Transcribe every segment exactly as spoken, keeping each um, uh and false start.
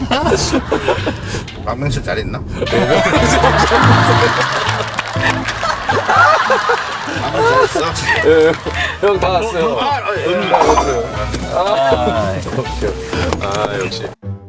박명수 잘 있나? 형 다 왔어요. 아, 예. 다 왔어요. 아, 아, 역시.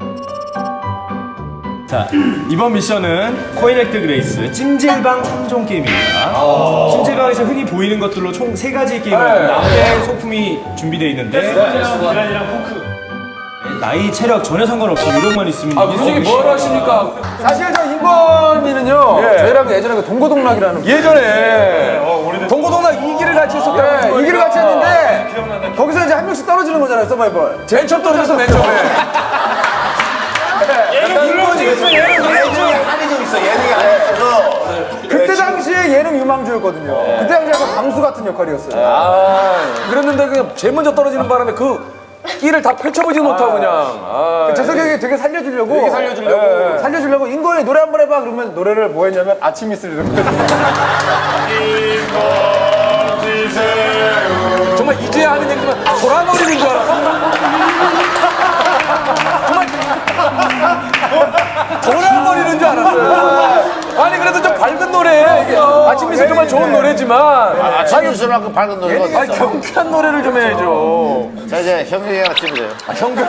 자, 이번 미션은 코인액트 그레이스 찜질방 삼 종 게임입니다. 찜질방에서 흔히 보이는 것들로 총 세 가지 게임을 나의 소품이 준비되어 있는데 계란이랑 포크 나이, 체력 전혀 상관없이 요령만 있으면 아, 무슨 뭘 하십니까? 사실 저 인권이는요, 예. 저희랑 예전에 그 동고동락이라는. 예전에. 어, 동고동락 이 기를 같이 했었고, 네, 이 기를 같이 했는데, 거기서 이제 한 명씩 떨어지는 거잖아요, 서바이벌. 맨 처음 떨어져서 맨 처음에. 예능 유망주 있어, 예능 예능이 한이 좀 있어, 예능이 한이 있어서. 그때 당시에 예능 유망주였거든요. 그때 당시에 약간 강수 같은 역할이었어요. 아, 그랬는데 그냥 제일 먼저 떨어지는 바람에 그 끼를 다 펼쳐보지 못하고 그냥. 아, 재석이 되게 살려주려고. 되게 살려주려고. 예, 예. 살려주려고 인권이 노래 한 번 해봐. 그러면 노래를 뭐 했냐면 아침 이슬 이런 거. 정말 이제야 하는 얘기지만 돌아버리는 줄 알았어. 정말 돌아버리는 줄 알았어요. 아니 그래도 좀 밝은 노래. 이게 아침 이슬 정말 좋은 노래지만. 아침 뉴스만큼 밝은 노래가 어디 아니 있어? 경쾌한 노래를 좀 해야죠. 자, 이제 형경이가 찜이래요. 아, 형경이.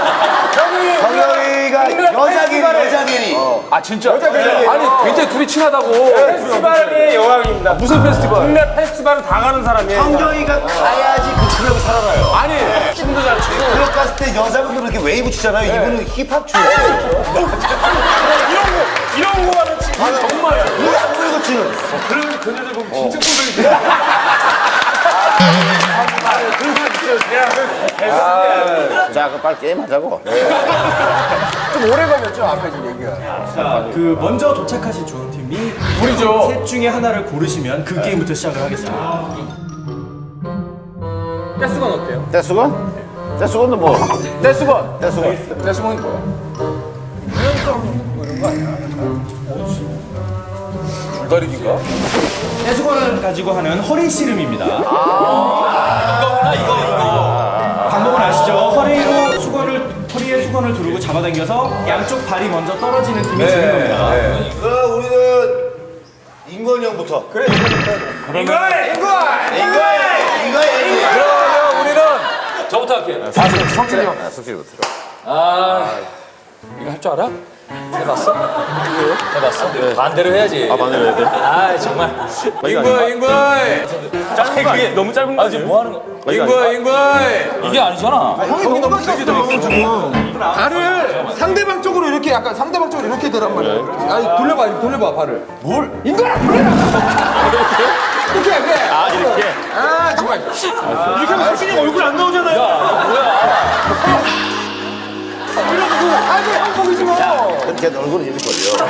형경이가 여자끼리, 여자끼리. 아 진짜? 아니 굉장히 둘이 친하다고. 페스티벌의 여왕입니다. 무슨 페스티벌? 국내 페스티벌은 다 가는 사람이에요. 형경이가 가야지 그 클럽이 살아나요. 아니 춤도 잘 추고. 클럽 갔을 때 여자분들 이렇게 웨이브 추잖아요. 이분은 힙합 추예요. 이런 거, 이런 거 하는 친구. 정말. 왜안 보이고 추는? 그런 그녀들 보면 진짜 꿀벌이 자, 그럼 빨리 게임 하자고. 좀 오래 걸렸죠 앞에 지금 얘기가. 자, 그 먼저 도착하신 조용팀이 우리죠. 셋 중에 하나를 고르시면 그 게임부터 시작을 하겠습니다. 가스건 어때요? 떼수건? 떼수건은 뭐? 떼수건. 떼수건. 떼수건이 뭐야? 줄다리기인가? 해수건을 가지고 하는 허리 씨름입니다. 이거구나, 이거, 이거, 이거. 방법은 아시죠? 허리로 수건을, 허리에 수건을 두르고 잡아당겨서 양쪽 발이 먼저 떨어지는 팀이 지는 겁니다. 네. 그 우리는 인권이 형부터. 그래, 인권부터. 인걸! 인걸! 인권! 인권! 그러면 우리는 저부터 할게요. 아, 석진이 형. 아, 석진이부터. 아, 이거 할 줄 알아? 해봤어? 해봤어? 네. 반대로 해야지. 아, 반대로 해야 돼? 아, 정말. 인구야, 인구야. 짧은 거 아니야? 너무 짧은 거 아니야? 지금 뭐 하는 거? 인구야, 인구야. 이게 아니잖아. 형이 너무 빠졌어 지금. 발을 상대방 쪽으로 이렇게 약간 상대방 쪽으로 이렇게 되란 말이야. 아니 돌려봐, 이렇게 돌려봐 발을. 뭘? 인구야, 돌려봐. 이렇게, 이렇게. 아, 이렇게? 아, 정말. 이렇게 하면 석진이 얼굴 안 나오잖아요. 야, 뭐야. 아니, 한 거기지 뭐. 걔 얼굴은 이렇게 걸려.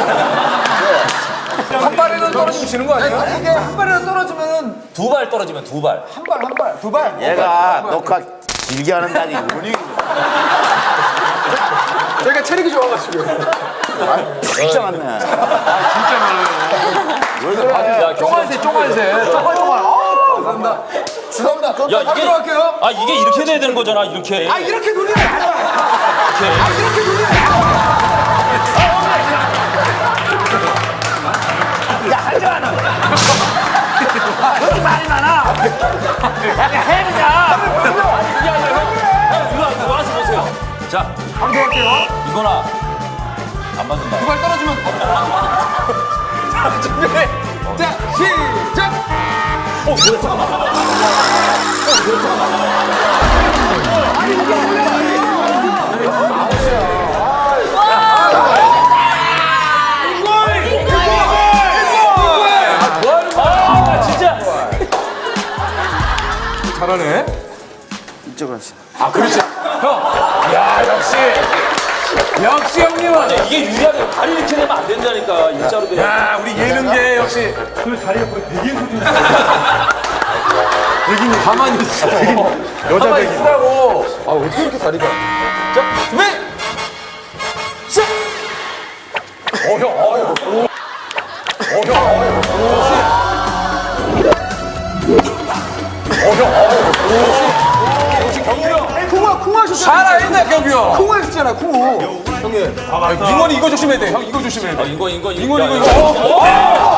한 발에는 떨어지면 지는 거 아니야? 아니, 이게 한 발에는 떨어지면은 두 발 떨어지면 두 발. 한 발, 한 발, 두 발. 얘가 녹화 길게 하는 날이 운이. 저희가 체력이 좋아가지고. 진짜 많네. 야, 쫑알새, 쫑알새. 쫑알쫑알. 아, 감사합니다. 죄송합니다. 야, 이게. 앞으로 할게요. 아, 이게 이렇게 돼야 되는 거잖아, 이렇게. 아, 이렇게 돌리면 안 돼. 아, 이렇게 돌리면 안 돼. 야, 하지 않아. 그렇게 말이 많아. 야, 해보자. 이거, 이거 와서 보세요. 자, 방송 할게요. 이거나. 안 맞는다. 두 발 떨어지면. 자, 준비. 자, 시작. 어, 그래, 잠깐만. 아, 진짜. 잘하네. 이쪽으로 하시. 아, 그렇지. 형. 야, 역시. 역시 형님은. 이게 유리하게 다리 이렇게 되면 안 된다니까. 일자로 돼. 야, 우리 예능계 역시. 그 다리가 거의 백인 수준. 백인이 가만히 있어. 여자 백인. 있으라고. 아, 어떻게 이렇게 다리가. 자, 준비. 시작. 어, 형. 어, 형. 어, 형. 어, 형. 어, 형. 어, 형. 역시 경규 형. 쿵아, 쿵아 하셨잖아. 잘하네, 경규 형. 쿵아 하셨잖아. 있잖아, 코. 형님. 아, 인원이 이거 조심해야 돼. 형 이거 조심해야 돼. 인권 인권 인원 이거 이거. 어, 어, 어.